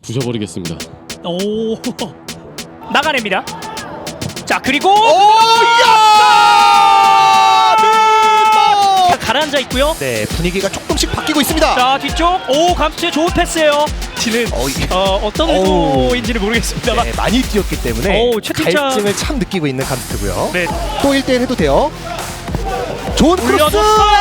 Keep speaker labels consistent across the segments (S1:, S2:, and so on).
S1: 부셔버리겠습니다.
S2: 오 나가냅니다. 자 그리고 가라앉아 있고요.
S3: 네, 분위기가 조금씩 바뀌고 있습니다.
S2: 자 뒤쪽 오 감스트의 좋은 패스예요. 지는 어떤 의도인지를 모르겠습니다만
S3: 네, 많이 뛰었기 때문에
S2: 채팅창
S3: 갈증을 참 느끼고 있는 감스트고요.
S2: 네.
S3: 또 1대1 해도 돼요. 좋은 크로스.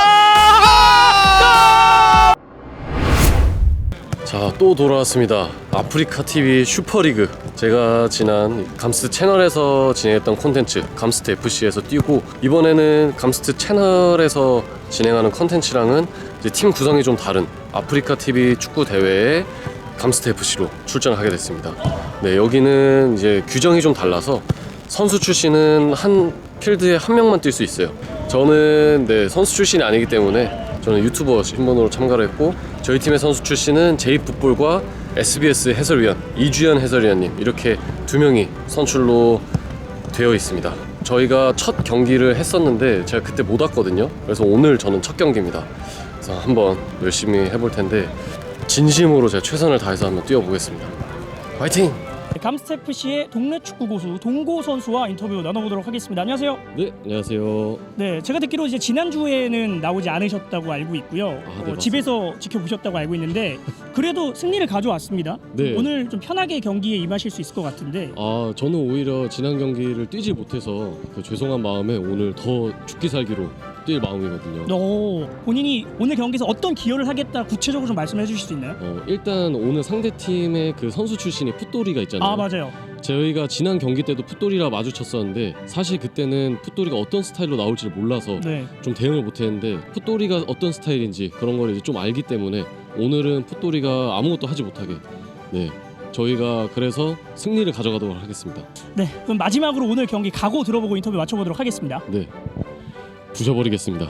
S1: 자, 또 돌아왔습니다. 아프리카 TV 슈퍼리그. 제가 지난 감스트 채널에서 진행했던 콘텐츠 감스트 FC에서 뛰고, 이번에는 감스트 채널에서 진행하는 콘텐츠랑은 이제 팀 구성이 좀 다른 아프리카 TV 축구 대회에 감스트 FC로 출전하게 됐습니다. 네, 여기는 이제 규정이 좀 달라서 선수 출신은 한 필드에 한 명만 뛸 수 있어요. 저는 선수 출신이 아니기 때문에 저는 유튜버 신분으로 참가를 했고, 저희 팀의 선수 출신은 제이풋볼과 SBS 해설위원 이주연 해설위원님, 이렇게 두 명이 선출로 되어 있습니다. 저희가 첫 경기를 했었는데 제가 그때 못 왔거든요. 그래서 오늘 저는 첫 경기입니다. 그래서 한번 열심히 해볼 텐데 진심으로 제가 최선을 다해서 한번 뛰어보겠습니다. 화이팅!
S2: 감스트 FC의 동네 축구 고수 동고 선수와 인터뷰 나눠보도록 하겠습니다. 안녕하세요.
S1: 네, 안녕하세요.
S2: 네, 제가 듣기로 이제 지난주에는 나오지 않으셨다고 알고 있고요.
S1: 네,
S2: 집에서 지켜보셨다고 알고 있는데 그래도 승리를 가져왔습니다.
S1: 네.
S2: 오늘 좀 편하게 경기에 임하실 수 있을 것 같은데.
S1: 저는 오히려 지난 경기를 뛰지 못해서 그 죄송한 마음에 오늘 더 죽기 살기로 뛸 마음이거든요.
S2: 본인이 오늘 경기에서 어떤 기여를 하겠다 구체적으로 좀 말씀해 주실 수 있나요?
S1: 일단 오늘 상대팀의 그 선수 출신이 풋돌이가 있잖아요.
S2: 맞아요.
S1: 저희가 지난 경기 때도 풋돌이랑 마주쳤었는데 사실 그때는 풋돌이가 어떤 스타일로 나올지를 몰라서 좀 대응을 못했는데, 풋돌이가 어떤 스타일인지 그런 걸 이제 좀 알기 때문에 오늘은 풋돌이가 아무것도 하지 못하게 저희가 그래서 승리를 가져가도록 하겠습니다.
S2: 네, 그럼 마지막으로 오늘 경기 각오 들어보고 인터뷰 맞춰보도록 하겠습니다.
S1: 네, 부셔버리겠습니다.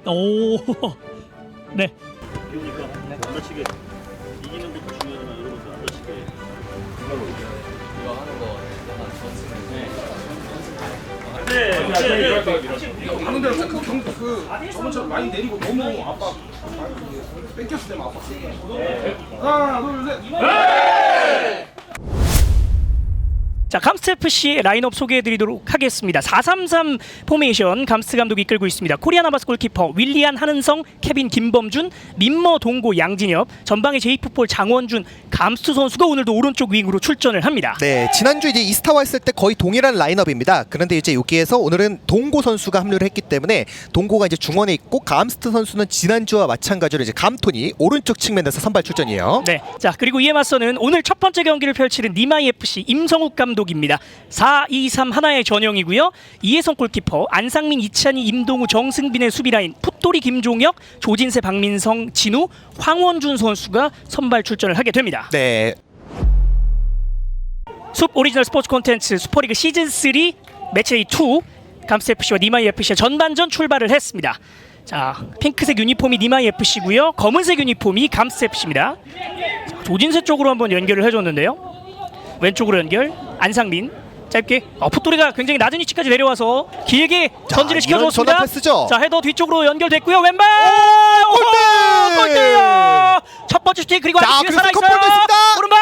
S2: 네.
S4: 안 다치게 이기는 것도 중요하지만 이런 것도 안 다치게 이거 하는 거
S5: 하는 대로 그 저번처럼 많이 내리고 너무 아빠 뺏겼을 때만 아팠어. 하나 둘 셋.
S2: 자, 감스트 FC 라인업 소개해드리도록 하겠습니다. 4-3-3 포메이션 감스트 감독이 이끌고 있습니다. 코리안 아바스 골키퍼 윌리안 한은성, 케빈 김범준, 민머 동고 양진엽, 전방에 제이풋볼 장원준, 감스트 선수가 오늘도 오른쪽 윙으로 출전을 합니다.
S3: 네, 지난주 이제 이스타와 했을 때 거의 동일한 라인업입니다. 그런데 이제 여기에서 오늘은 동고 선수가 합류를 했기 때문에 동고가 이제 중원에 있고, 감스트 선수는 지난주와 마찬가지로 이제 감톤이 오른쪽 측면에서 선발 출전이에요.
S2: 네, 자 그리고 이에 맞서는 오늘 첫 번째 경기를 펼치는 니마이 FC 임성욱 감독입니다. 4-2-3 하나의 전형이고요. 이혜성 골키퍼, 안상민, 이찬희, 임동우, 정승빈의 수비라인, 풋돌이 김종혁, 조진세, 박민성, 진우, 황원준 선수가 선발 출전을 하게 됩니다.
S3: 네.
S2: 숲 오리지널 스포츠 콘텐츠 슈퍼리그 시즌3 매치데이 2 감스트 FC와 니마이 FC의 전반전 출발을 했습니다. 자, 핑크색 유니폼이 니마이 FC고요. 검은색 유니폼이 감스트 FC입니다. 자, 조진세 쪽으로 한번 연결을 해줬는데요. 왼쪽으로 연결, 안상민 짧게. 풋돌이가 굉장히 낮은 위치까지 내려와서 길게 전진을 시켜줬습니다. 자, 헤더 뒤쪽으로 연결됐고요. 왼발 골대요. 첫 번째 슈팅, 그리고 아직 뒤에 살아있어요. 오른발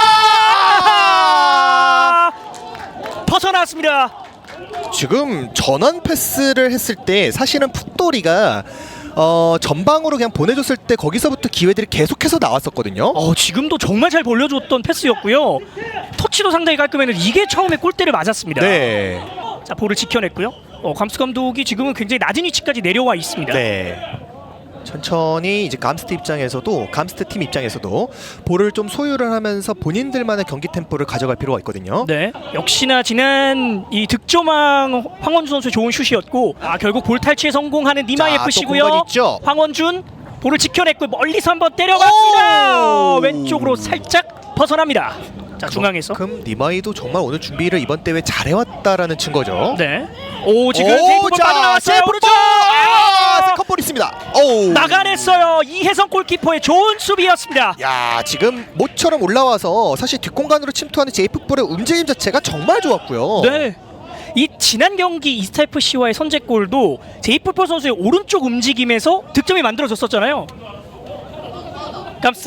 S2: 벗어났습니다.
S3: 지금 전원 패스를 했을 때 사실은 풋돌이가 전방으로 그냥 보내줬을 때 거기서부터 기회들이 계속해서 나왔었거든요.
S2: 지금도 정말 잘 벌려줬던 패스였고요. 터치도 상당히 깔끔했는데 이게 처음에 골대를 맞았습니다.
S3: 네.
S2: 자, 볼을 지켜냈고요. 감스 감독이 지금은 굉장히 낮은 위치까지 내려와 있습니다.
S3: 네. 천천히 이제 감스트 팀 입장에서도 볼을 좀 소유를 하면서 본인들만의 경기 템포를 가져갈 필요가 있거든요.
S2: 네, 역시나 지난 이 득점왕 황원준 선수의 좋은 슛이었고, 결국 볼 탈취에 성공하는 니마이 FC고요. 황원준 볼을 지켜냈고 멀리서 한번 때려봤습니다. 왼쪽으로 살짝 벗어납니다. 자, 중앙에서.
S3: 그럼 니마이도 정말 오늘 준비를 이번 대회 잘해왔다라는 증거죠.
S2: 네. 지금 세이프볼 빠져나왔어요. 오른쪽.
S3: 세컨볼 있습니다.
S2: 나가냈어요. 이혜성 골키퍼의 좋은 수비였습니다.
S3: 야, 지금 모처럼 올라와서 사실 뒷공간으로 침투하는 제이풋볼의 움직임 자체가 정말 좋았고요.
S2: 네. 이 지난 경기 이스타 FC와의 선제골도 제이풋볼 선수의 오른쪽 움직임에서 득점이 만들어졌었잖아요. 감스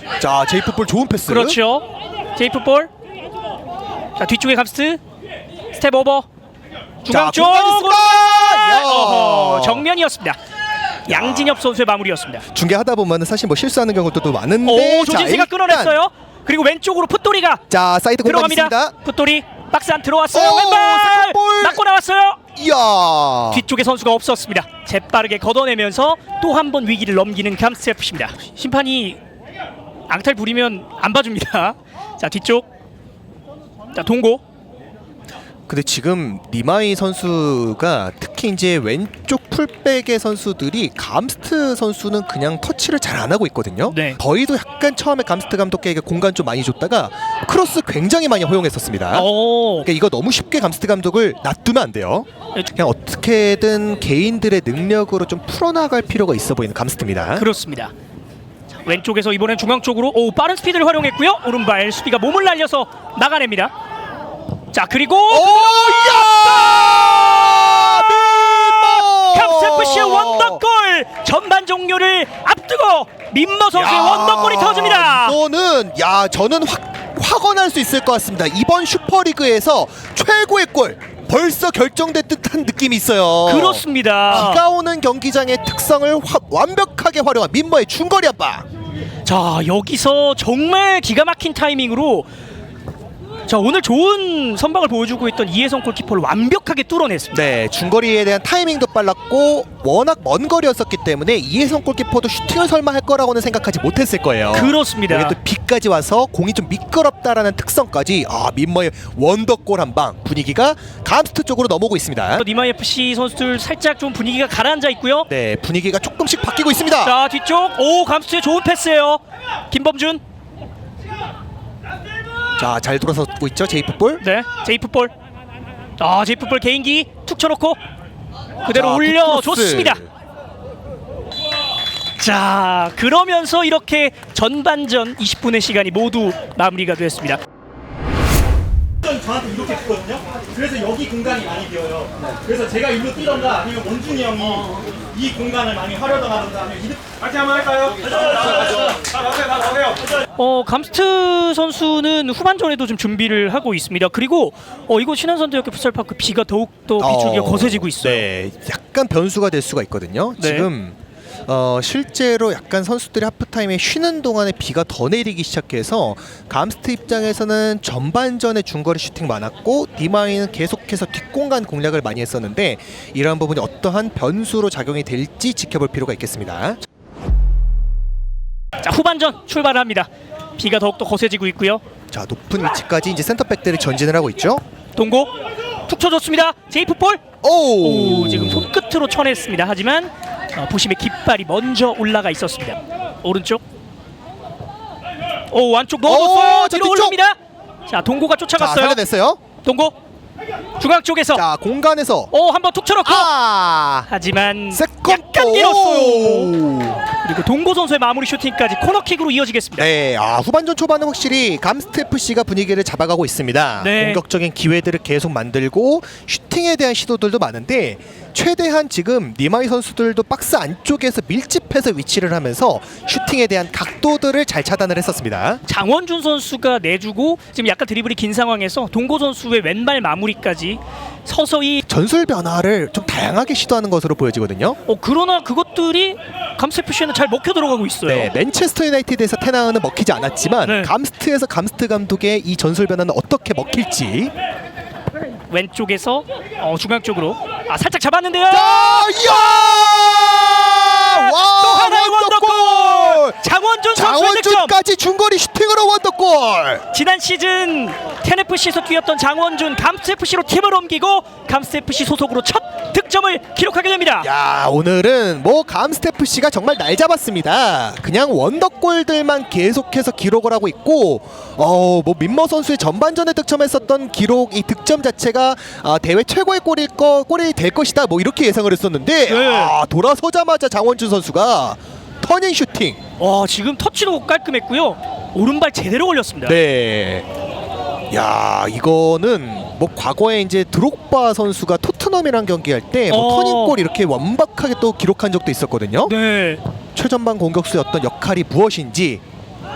S3: 자, 제이프볼 좋은 패스.
S2: 그렇죠. 제이프볼. 자, 뒤쪽에 감스트. 스텝 오버. 중앙 쪽.
S3: 공간 있을까? 야.
S2: 어허, 정면이었습니다. 양진엽 선수의 마무리였습니다.
S3: 중계하다 보면 사실 뭐 실수하는 경우도 또 많은데.
S2: 오,
S3: 자,
S2: 조진세가
S3: 일단
S2: 끊어냈어요. 그리고 왼쪽으로 풋돌이가
S3: 자, 사이드 공간
S2: 들어갑니다.
S3: 있습니다.
S2: 풋돌이 박스 안 들어왔어요.
S3: 오,
S2: 왼발
S3: 세컨볼.
S2: 맞고 나왔어요.
S3: 이야.
S2: 뒤쪽에 선수가 없었습니다. 재빠르게 걷어내면서 또 한 번 위기를 넘기는 감스트 FC입니다. 심판이 앙탈 부리면 안 봐줍니다. 자, 뒤쪽. 자, 동고.
S3: 근데 지금 니마이 선수가 특히 이제 왼쪽 풀백의 선수들이 감스트 선수는 그냥 터치를 잘 안 하고 있거든요.
S2: 네.
S3: 저희도 약간 처음에 감스트 감독에게 공간 좀 많이 줬다가 크로스 굉장히 많이 허용했었습니다. 그러니까 이거 너무 쉽게 감스트 감독을 놔두면 안 돼요. 그냥 어떻게든 개인들의 능력으로 좀 풀어나갈 필요가 있어 보이는 감스트입니다.
S2: 그렇습니다. 자, 왼쪽에서 이번엔 중앙 쪽으로 빠른 스피드를 활용했고요. 오른발 수비가 몸을 날려서 나가냅니다. 자, 그리고 감스트 FC의 원더골! 전반 종료를 앞두고 민머 선수의 원더골이 터집니다.
S3: 이거는 저는 확언할 수 있을 것 같습니다. 이번 슈퍼리그에서 최고의 골 벌써 결정된 듯한 느낌이 있어요.
S2: 그렇습니다.
S3: 비가 오는 경기장의 특성을 완벽하게 활용한 민머의 중거리 압박.
S2: 자, 여기서 정말 기가 막힌 타이밍으로 자, 오늘 좋은 선방을 보여주고 있던 이혜성 골키퍼를 완벽하게 뚫어냈습니다.
S3: 네, 중거리에 대한 타이밍도 빨랐고 워낙 먼 거리였었기 때문에 이혜성 골키퍼도 슈팅을 설마 할 거라고는 생각하지 못했을 거예요.
S2: 그렇습니다.
S3: 여기 또 비까지 와서 공이 좀 미끄럽다라는 특성까지 민머의 원더골 한 방. 분위기가 감스트 쪽으로 넘어오고 있습니다.
S2: 니마 FC 선수들 살짝 좀 분위기가 가라앉아 있고요.
S3: 네, 분위기가 조금씩 바뀌고 있습니다.
S2: 자, 뒤쪽 감스트의 좋은 패스예요. 김범준.
S3: 자, 잘 돌아서고 있죠, 제이프볼.
S2: 네, 제이프볼. 제이프볼 개인기 툭 쳐놓고 그대로
S3: 자,
S2: 올려줬습니다.
S3: 굿크로스.
S2: 자, 그러면서 이렇게 전반전 20분의 시간이 모두 마무리가 됐습니다.
S6: 저한테 이렇게 했거든요. 그래서 여기 공간이 많이 비어요. 그래서 제가 일로 뛰던가 아니면 원준이 형이 이 공간을 많이 활용하던가 하면
S5: 같이 한번 할까요? 다 나오세요.
S2: 감스트 선수는 후반전에도 좀 준비를 하고 있습니다. 그리고 이거 신한선대학교 풋살파크 비가 더욱더 비추기가 거세지고 있어요.
S3: 네, 약간 변수가 될 수가 있거든요.
S2: 네.
S3: 지금 실제로 약간 선수들이 하프타임에 쉬는 동안에 비가 더 내리기 시작해서 감스트 입장에서는 전반전에 중거리 슈팅 많았고 니마이는 계속해서 뒷공간 공략을 많이 했었는데 이러한 부분이 어떠한 변수로 작용이 될지 지켜볼 필요가 있겠습니다.
S2: 자, 후반전 출발합니다. 비가 더욱더 거세지고 있고요.
S3: 자, 높은 위치까지 이제 센터백들이 전진을 하고 있죠.
S2: 동고 툭 쳐줬습니다. 제이프볼.
S3: 오,
S2: 지금 손끝으로 쳐냈습니다. 하지만 부심의 깃발이 먼저 올라가 있었습니다. 오른쪽. 안쪽 넣어줬어요.
S3: 자,
S2: 뒤로
S3: 뒤쪽.
S2: 올립니다. 자, 동고가
S3: 자,
S2: 쫓아갔어요.
S3: 살려냈어요.
S2: 동고 중앙 쪽에서
S3: 자, 공간에서
S2: 한번 툭 쳐놓고 하지만
S3: 세컨
S2: 약간 길었어요.
S3: 오.
S2: 그리고 동고 선수의 마무리 슈팅까지 코너킥으로 이어지겠습니다.
S3: 네, 후반전 초반은 확실히 감스트 FC가 분위기를 잡아가고 있습니다.
S2: 네.
S3: 공격적인 기회들을 계속 만들고 슈팅에 대한 시도들도 많은데 최대한 지금 니마이 선수들도 박스 안쪽에서 밀집해서 위치를 하면서 슈팅에 대한 각도들을 잘 차단을 했었습니다.
S2: 장원준 선수가 내주고 지금 약간 드리블이 긴 상황에서 동고 선수의 왼발 마무리까지 서서히
S3: 전술 변화를 좀 다양하게 시도하는 것으로 보여지거든요.
S2: 그러나 그것들이 감스트 FC에는 잘 먹혀 들어가고 있어요.
S3: 네, 맨체스터 유나이티드에서 테나는 먹히지 않았지만
S2: 네.
S3: 감스트에서 감스트 감독의 이 전술 변화는 어떻게 먹힐지.
S2: 왼쪽에서 중앙 쪽으로 살짝 잡았는데요.
S3: 이야! 와,
S2: 또 하나의 원더골! 장원준 선수의 득점.
S3: 장원준까지 중거리 슈팅으로 원더골.
S2: 지난 시즌 텐FC에서 뛰었던 장원준 감스트 FC로 팀을 옮기고 감스트 FC 소속으로 첫 득점을 기록하게 됩니다.
S3: 야, 오늘은 감스트 FC가 정말 날 잡았습니다. 그냥 원더골들만 계속해서 기록을 하고 있고 민머 선수의 전반전에 득점했었던 기록, 이 득점 자체가 대회 최고의 골이 될 것이다 이렇게 예상을 했었는데
S2: 네.
S3: 돌아서자마자 장원준 선수가 터닝 슈팅.
S2: 지금 터치도 깔끔했고요. 오른발 제대로 올렸습니다.
S3: 네. 야, 이거는 과거에 이제 드록바 선수가 토트넘이랑 경기할 때 터닝골 이렇게 완벽하게 또 기록한 적도 있었거든요.
S2: 네.
S3: 최전방 공격수의 어떤 역할이 무엇인지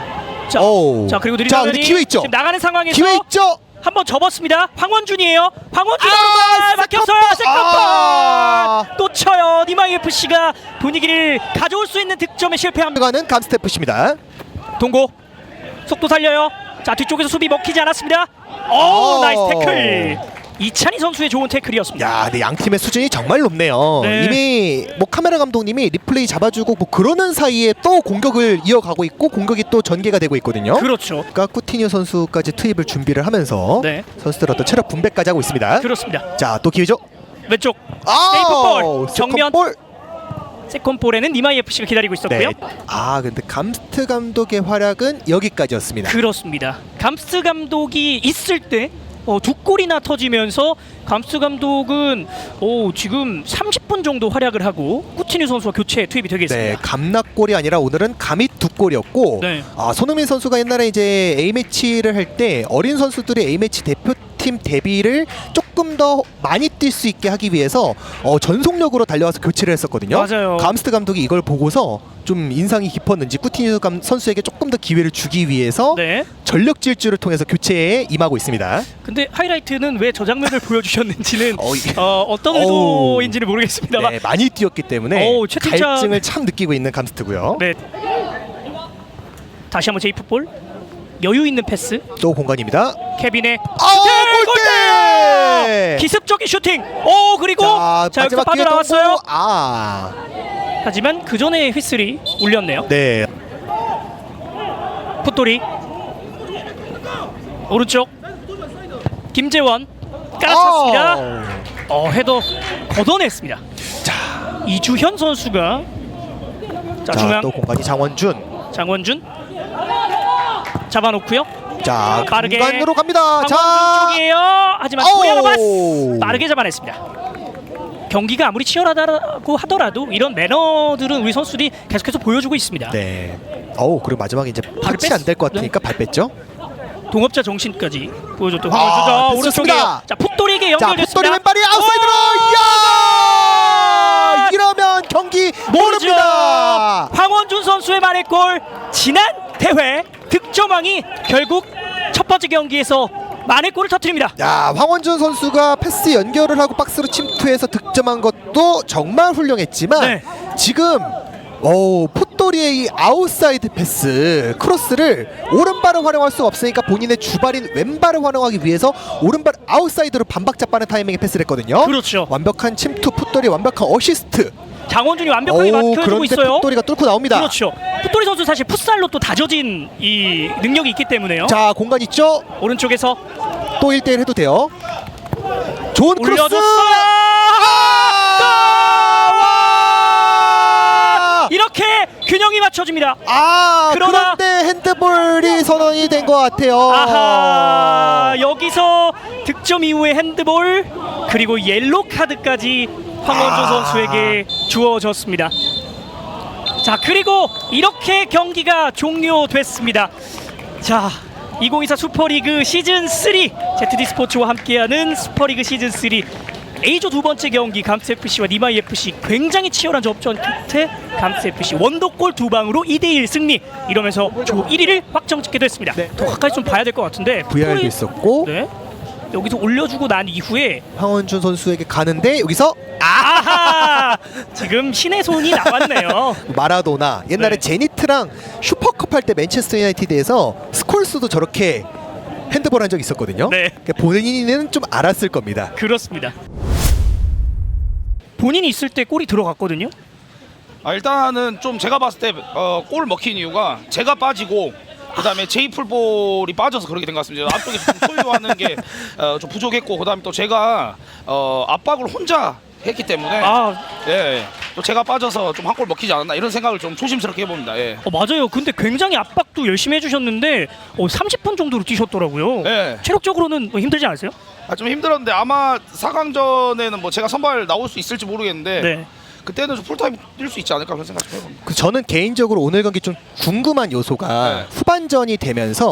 S2: 자,
S3: 오우.
S2: 자 그리고
S3: 자,
S2: 느리다면이
S3: 근데 기회 있죠?
S2: 지금 나가는 상황에서
S3: 기회 있죠?
S2: 한번 접었습니다. 황원준이에요. 황원준이 막혔어요.
S3: 아!
S2: 세컨볼 또 쳐요. 니마 UFC가 분위기를 가져올 수 있는 득점에 실패합니다.
S3: 가는 감스트 FC입니다.
S2: 동고 속도 살려요. 자 뒤쪽에서 수비 먹히지 않았습니다. 오
S3: 오.
S2: 나이스 태클. 이찬희 선수의 좋은 태클이었습니다.
S3: 야, 근데 양 팀의 수준이 정말 높네요.
S2: 네.
S3: 이미 뭐 카메라 감독님이 리플레이 잡아주고 뭐 그러는 사이에 또 공격을 이어가고 있고 공격이 또 전개가 되고 있거든요.
S2: 그렇죠.
S3: 그러니까 쿠티뉴 선수까지 투입을 준비를 하면서
S2: 네.
S3: 선수들 어떤 체력 분배까지 하고 있습니다.
S2: 그렇습니다.
S3: 자, 또 기회죠.
S2: 왼쪽
S3: 아우,
S2: 세이프볼 정면
S3: 세컨볼.
S2: 세컨볼에는 니마 UFC가 기다리고 있었고요.
S3: 네. 아, 근데 감스트 감독의 활약은 여기까지였습니다.
S2: 그렇습니다. 감스 감독이 있을 때 두 골이나 터지면서 감스 감독은 지금 30분 정도 활약을 하고 쿠티뉴 선수와 교체에 투입이
S3: 네,
S2: 되겠습니다.
S3: 감락골이 아니라 오늘은 감이 두 골이었고
S2: 네.
S3: 손흥민 선수가 옛날에 이제 A매치를 할 때 어린 선수들의 A매치 대표팀 데뷔를 조금 더 많이 뛸 수 있게 하기 위해서 전속력으로 달려와서 교체를 했었거든요.
S2: 맞아요.
S3: 감스트 감독이 이걸 보고서 좀 인상이 깊었는지 쿠티뉴 선수에게 조금 더 기회를 주기 위해서
S2: 네.
S3: 전력 질주를 통해서 교체에 임하고 있습니다.
S2: 근데 하이라이트는 왜 저 장면을 보여주셨는지는
S3: 이게-
S2: 어떤 의도인지는 모르겠습니다만
S3: 네, 많이 뛰었기 때문에
S2: 채팅창-
S3: 갈증을 참 느끼고 있는 감스트고요.
S2: 네. 다시 한번 제이프볼 여유 있는 패스
S3: 또 공간입니다.
S2: 케빈의
S3: 골대!
S2: 기습적인 슈팅. 그리고 자 여기서
S3: 마지막 기회
S2: 빠져나왔어요.
S3: 또
S2: 하지만 그 전에 휘슬이 울렸네요.
S3: 네.
S2: 풋돌이 오른쪽 김재원 깔아찼습니다. 헤더 걷어냈습니다. 자 이주현 선수가 자 중앙
S3: 또 공간이 장원준.
S2: 장원준 잡아놓고요.
S3: 자,
S2: 빠르게
S3: 공간으로 갑니다.
S2: 황원준
S3: 자,
S2: 쪽이에요. 하지만 코리아가 빠르게 잡아냈습니다. 경기가 아무리 치열하다고 하더라도 이런 매너들은 우리 선수들이 계속해서 보여주고 있습니다.
S3: 네. 그리고 마지막에 이제 터치
S2: 뺐-
S3: 안 될 것 같으니까 발 뺐죠.
S2: 동업자 정신까지 보여줬던 황원준. 오른쪽에
S3: 됐습니다.
S2: 자 풋돌이에게
S3: 자,
S2: 연결됐습니다.
S3: 풋돌이 왼발이 아웃사이드로. 이야! 이러면 경기
S2: 모르죠.
S3: 모릅니다.
S2: 황원준 선수의 만회골. 지난 대회 득점왕이 결국 첫 번째 경기에서 만회골을 터뜨립니다.
S3: 야, 황원준 선수가 패스 연결을 하고 박스로 침투해서 득점한 것도 정말 훌륭했지만
S2: 네.
S3: 지금 풋돌이의 이 아웃사이드 패스 크로스를 오른발을 활용할 수 없으니까 본인의 주발인 왼발을 활용하기 위해서 오른발 아웃사이드로 반박자 빠른 타이밍에 패스를 했거든요.
S2: 그렇죠.
S3: 완벽한 침투, 풋돌이 완벽한 어시스트.
S2: 장원준이 완벽하게 맡겨주고
S3: 그런데
S2: 있어요.
S3: 풋돌이가 뚫고 나옵니다.
S2: 그렇죠. 풋돌이 선수 사실 풋살로 또 다져진 이 능력이 있기 때문에요.
S3: 자, 공간 있죠?
S2: 오른쪽에서
S3: 또 1대1 해도 돼요. 좋은 크로스.
S2: 올려줬어요. 이렇게 균형이 맞춰집니다. 그러나-
S3: 그런데 핸드볼이 선언이 된 것 같아요.
S2: 아하, 여기서 득점 이후에 핸드볼 그리고 옐로 카드까지 황원준 선수에게 주어졌습니다. 자 그리고 이렇게 경기가 종료됐습니다. 자 2024 슈퍼리그 시즌 3 ZD 스포츠와 함께하는 슈퍼리그 시즌 3 A조 두 번째 경기 감스 FC와 니마 FC 굉장히 치열한 접전 끝에 감스 FC 원더골 두 방으로 2대1 승리. 이러면서 조 1위를 확정짓게 됐습니다.
S3: 네.
S2: 더 가까이 좀 봐야 될 것 같은데
S3: VR도 있었고
S2: 네. 여기서 올려주고 난 이후에
S3: 황원준 선수에게 가는데 여기서
S2: 아하 지금 신의 손이 나왔네요.
S3: 마라도나 옛날에
S2: 네.
S3: 제니트랑 슈퍼컵 할 때 맨체스터 유나이티드에서 스콜스도 저렇게 핸드볼 한 적 있었거든요.
S2: 네.
S3: 그러니까 본인은 좀 알았을 겁니다.
S2: 그렇습니다. 본인이 있을 때 골이 들어갔거든요.
S5: 일단은 좀 제가 봤을 때 골 먹힌 이유가 제가 빠지고 그다음에 제이풀볼이 빠져서 그렇게 된 것 같습니다. 앞쪽에서 좀 소유하는 게 좀 부족했고 그다음에 또 제가 압박을 혼자 했기 때문에 또 제가 빠져서 좀 한 골 먹히지 않았나 이런 생각을 좀 조심스럽게 해봅니다. 예.
S2: 맞아요. 근데 굉장히 압박도 열심히 해주셨는데 30분 정도로 뛰셨더라고요.
S5: 네.
S2: 체력적으로는 힘들지 않으세요?
S5: 좀 힘들었는데 아마 4강전에는 뭐 제가 선발 나올 수 있을지 모르겠는데
S2: 네.
S5: 그때는 좀 풀타임 뛸 수 있지 않을까 그런 생각 좀 해봅니다.
S3: 저는 개인적으로 오늘 경기 좀 궁금한 요소가
S5: 네.
S3: 후반전이 되면서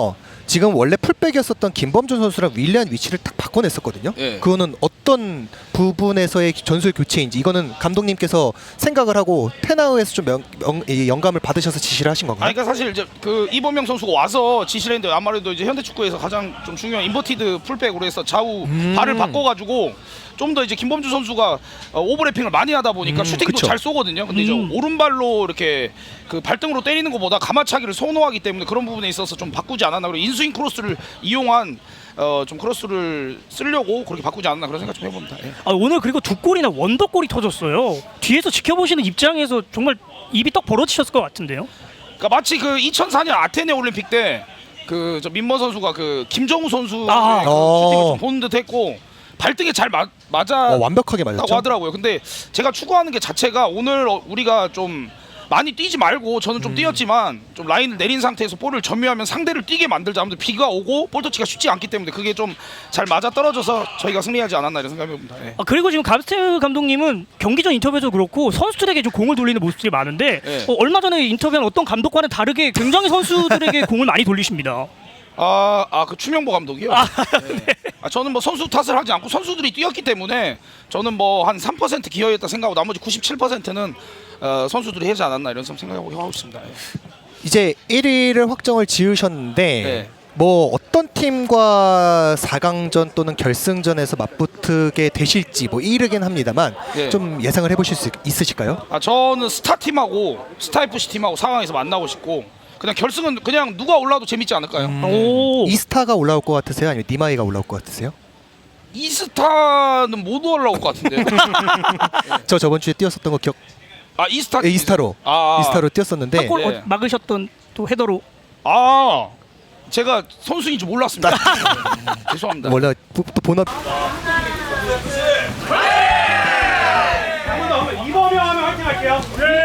S3: 지금 원래 풀백이었었던 김범준 선수랑 윌리안 위치를 딱 바꿔냈었거든요.
S5: 예.
S3: 그거는 어떤 부분에서의 전술 교체인지 이거는 감독님께서 생각을 하고 테나우에서 좀 이 영감을 받으셔서 지시를 하신 건가요?
S5: 아니, 그러니까 사실 이제 그 이범영 선수가 와서 지시를 했는데 아무래도 이제 현대 축구에서 가장 좀 중요한 인버티드 풀백으로 해서 좌우 발을 바꿔가지고 좀 더 이제 김범주 선수가 오버래핑을 많이 하다 보니까 슈팅도
S3: 그쵸.
S5: 잘 쏘거든요. 근데 이제 오른발로 이렇게 그 발등으로 때리는 것보다 가마차기를 선호하기 때문에 그런 부분에 있어서 좀 바꾸지 않았나. 그리고 인스윙 크로스를 이용한 좀 크로스를 쓰려고 그렇게 바꾸지 않았나 그런 생각 좀 해봅니다. 예.
S2: 오늘 그리고 두 골이나 원더골이 터졌어요. 뒤에서 지켜보시는 입장에서 정말 입이 떡 벌어지셨을 것 같은데요.
S5: 그러니까 마치 그 2004년 아테네 올림픽 때 그 저 민머 선수가 그 김정우 선수의
S2: 아.
S5: 그 슈팅을 좀 보는 듯했고 발등에 잘 맞아
S3: 완벽하게
S5: 다고
S3: 맞았죠.
S5: 하더라고요. 근데 제가 추구하는 게 자체가 오늘 우리가 좀 많이 뛰지 말고 저는 좀 뛰었지만 좀 라인을 내린 상태에서 볼을 점유하면 상대를 뛰게 만들자. 아무튼 비가 오고 볼 터치가 쉽지 않기 때문에 그게 좀 잘 맞아 떨어져서 저희가 승리하지 않았나 이런 생각이 듭니다. 예.
S2: 그리고 지금 감스트 감독님은 경기 전 인터뷰에서 그렇고 선수들에게 좀 공을 돌리는 모습들이 많은데
S5: 네.
S2: 얼마 전에 인터뷰한 어떤 감독과는 다르게 굉장히 선수들에게 공을 많이 돌리십니다.
S5: 그 추명보 감독이요. 네. 저는 뭐 선수 탓을 하지 않고 선수들이 뛰었기 때문에 저는 뭐 한 3% 기여했다 생각하고 나머지 97%는 선수들이 하지 않았나 이런 생각하고 있습니다. 예.
S3: 이제 1위를 확정을 지으셨는데
S5: 네.
S3: 뭐 어떤 팀과 4강전 또는 결승전에서 맞붙게 되실지 뭐 이르긴 합니다만
S5: 네.
S3: 좀 예상을 해보실 수 있으실까요?
S5: 저는 스타 팀하고 스타 FC 팀하고 4강에서 만나고 싶고 그냥 결승은 그냥 누가 올라도 재밌지 않을까요?
S2: 오.
S3: 이스타가 올라올 것 같으세요? 아니면 니마이가 올라올 것 같으세요?
S5: 이스타는 못 올라올 것 같은데.
S3: 저 저번 주에 뛰었었던 거 기억?
S5: 이스타.
S3: 이스타로
S5: 이스타로
S3: 뛰었었는데
S2: 골
S5: 네.
S2: 막으셨던 또 헤더로
S5: 제가 선수인 줄 몰랐습니다. 죄송합니다.
S3: 원래 또 본업
S6: 이범영 하면 화이팅 할게요.